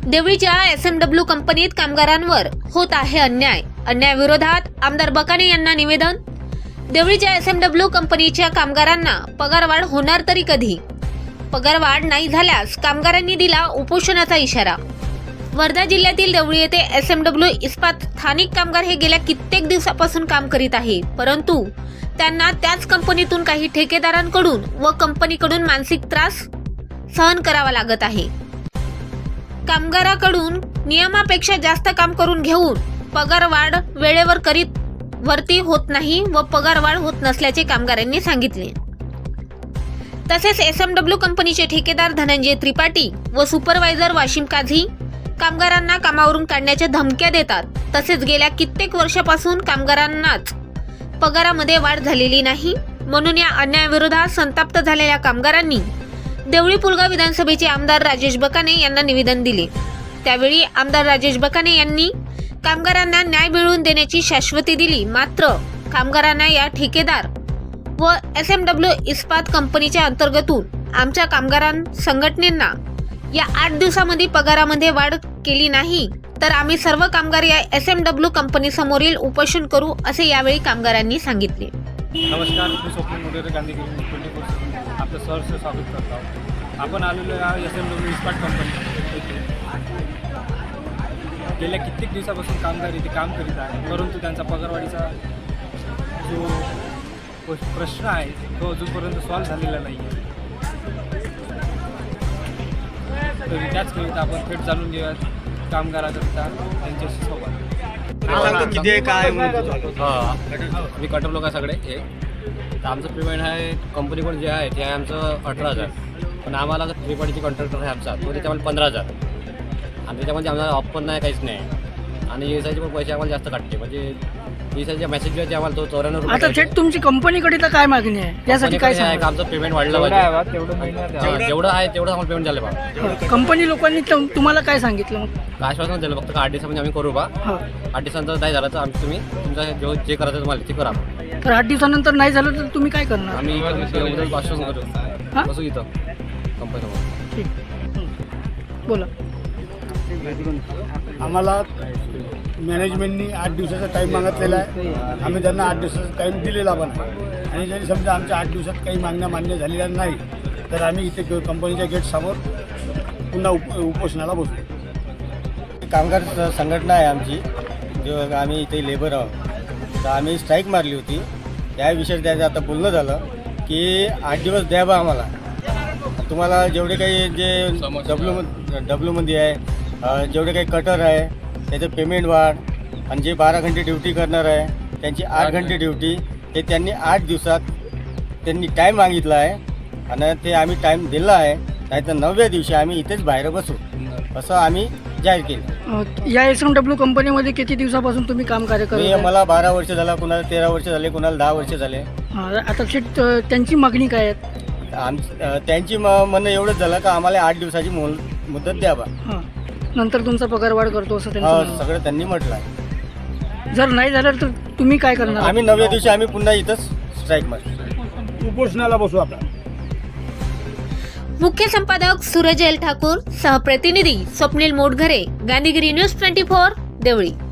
देवळीच्या एसएमडब्ल्यू कंपनीत कामगारांवर होत आहे अन्यायाविरोधात आमदार बकाने यांना निवेदन। देवळीच्या एसएमडब्ल्यू कंपनीच्या कामगारांना पगारवाढ होणार तरी कधी? पगारवाढ नाही झाल्यास कामगारांनी दिला उपोषणाचा इशारा। वर्धा जिल्ह्यातील देवळी येथे एसएमडब्ल्यू इस्पात स्थानिक कामगार हे गेल्या कित्येक दिवसापासून काम करीत आहे, परंतु त्यांना त्याच कंपनीतून काही ठेकेदारांकडून व कंपनीकडून मानसिक त्रास सहन करावा लागत आहे। कामगाराकडून नियमापेक्षा जास्त काम करून घेऊन पगारवाढ वेळेवर करीत वरती होत नाही व पगारवाढ होत नसल्याचे कामगारांनी सांगितले। तसेच एसएमडब्ल्यू कंपनीचे ठेकेदार धनंजय त्रिपाठी व सुपरवायझर वाशिम काझी कामगारांना कामावरून काढण्याच्या धमक्या देतात। तसेच गेल्या कित्येक वर्षापासून कामगारांनाच पगारामध्ये वाढ झालेली नाही, म्हणून या अन्यायाविरोधात संतप्त झालेल्या कामगारांनी देवळी पुलगाव विधानसभेचे आमदार राजेश बकाने यांना निवेदन दिले। त्यावेळी आमदार राजेश बकाने यांनी कामगारांना न्याय मिळवून देण्याची शाश्वती दिली। मात्र कामगारांना या ठेकेदार व एसएमडब्ल्यू इस्पात कंपनीच्या अंतर्गतून आमच्या कामगारां संघटनेंना या 8 दिवसामध्ये पगारामध्ये वाढ केली नाही तर आम्ही सर्व कामगार या एसएमडब्ल्यू कंपनी समोरील उपोषण करू, असे यावेळी कामगारांनी सांगितले। नमस्कार, मी स्वप्नील मोरे गांधीगिरी 24 आपलं सहर्ष स्वागत करतो। आपण आलेलो आहे एसएमडब्ल्यू इस्पात कंपनी येथे। गेल्या कित्येक दिवसापासून कामगार इथे काम करीत आहे, परंतु त्यांचा पगारवाढीचा जो प्रश्न आहे तो अजूनपर्यंत सॉल्व्ह झालेला नाही आहे। तरी त्याचकरिता आपण थेट जाणून घेऊयात कामगाराकरिता त्यांच्याशी संवाद। किती आहे काय मी कटर लोक सगळे तर आमचं पेमेंट आहे कंपनीकडून जे आहे ते आहे आमचं 18,000, पण आम्हाला त्रिपाठीची कॉन्ट्रॅक्टर आहे आमचा तो त्याच्यामध्ये 15,000 आणि त्याच्यामध्ये आम्हाला ऑफ पण नाही, काहीच नाही। आणि एसआयचे पण पैसे आम्हाला जास्त काटते, म्हणजे एसआयच्या मेसेज आहे आम्हाला तो 94 रुपये। आता थेट तुमची कंपनीकडे तर काय मागणी आहे यासाठी? काय आहे का आमचं पेमेंट वाढलं पाहिजे, जेवढं आहे तेवढं आम्हाला पेमेंट झालं बा। कंपनी लोकांनी तुम्हाला काय सांगितलं मग? आश्वासन दिलं फक्त 8 दिवसामध्ये आम्ही करू बा। 8 दिवसानंतर नाही झालं तर आम्ही तुम्ही तुमचं जे करायचं तुम्हाला ते करा। तर 8 दिवसानंतर नाही झालं तर तुम्ही काय करणार? आम्ही उद्या आश्वासन करू, बसू इथं कंपनीसमोर। ठीक, बोला। आम्हाला मॅनेजमेंटनी 8 दिवसाचा टाईम मागितलेला आहे। आम्ही त्यांना 8 दिवसाचा टाईम दिलेला पण आहे, आणि जरी समजा आमच्या 8 दिवसात काही मागण्या मान्य झालेल्या नाही तर आम्ही इथे कंपनीच्या गेटसमोर पुन्हा उपोषणाला बसू। कामगार संघटना आहे आमची, जो आम्ही इथे लेबर आहोत, तर आम्ही स्ट्राईक मारली होती। त्या विषयात त्याचं आता बोलणं झालं की 8 दिवस द्या बा आम्हाला, तुम्हाला जेवढे काही जे डब्ल्यूमध्ये आहे जेवढे काही कटर आहे त्याचं पेमेंट वाढ, आणि जे 12 घंटे ड्युटी करणार आहे त्यांची 8 घंटे ड्युटी, हे त्यांनी 8 दिवसात त्यांनी टाईम मागितला आहे आणि ते आम्ही टाईम दिला आहे। नाही तर 9व्या दिवशी आम्ही इथेच बाहेर बसू असं आम्ही जाहीर केलं। या एसएमडब्ल्यू कंपनीमध्ये किती दिवसापासून तुम्ही काम कार्य करत? मला 12 वर्ष झाला, कुणाला 13 वर्ष झाले, कुणाला 10 वर्ष झाले। आता थेट त्यांची मागणी काय आहे? त्यांची म्हणणं एवढंच झालं का आम्हाला 8 दिवसाची मुदत द्यावा, नंतर तुमचा पगार वाढ करतो असं त्यांचं सगळं त्यांनी म्हटलं आहे। जर नाही झालं तर तुम्ही काय करणार? आम्ही 9व्या दिवशी आम्ही पुन्हा इथंच स्ट्राईक मारतो, उपोषणाला बसू आपण। मुख्य संपादक सूरज एल ठाकूर, सहप्रतिनिधी स्वप्नील मोटघरे, गांधीगिरी न्यूज 24 देवळी।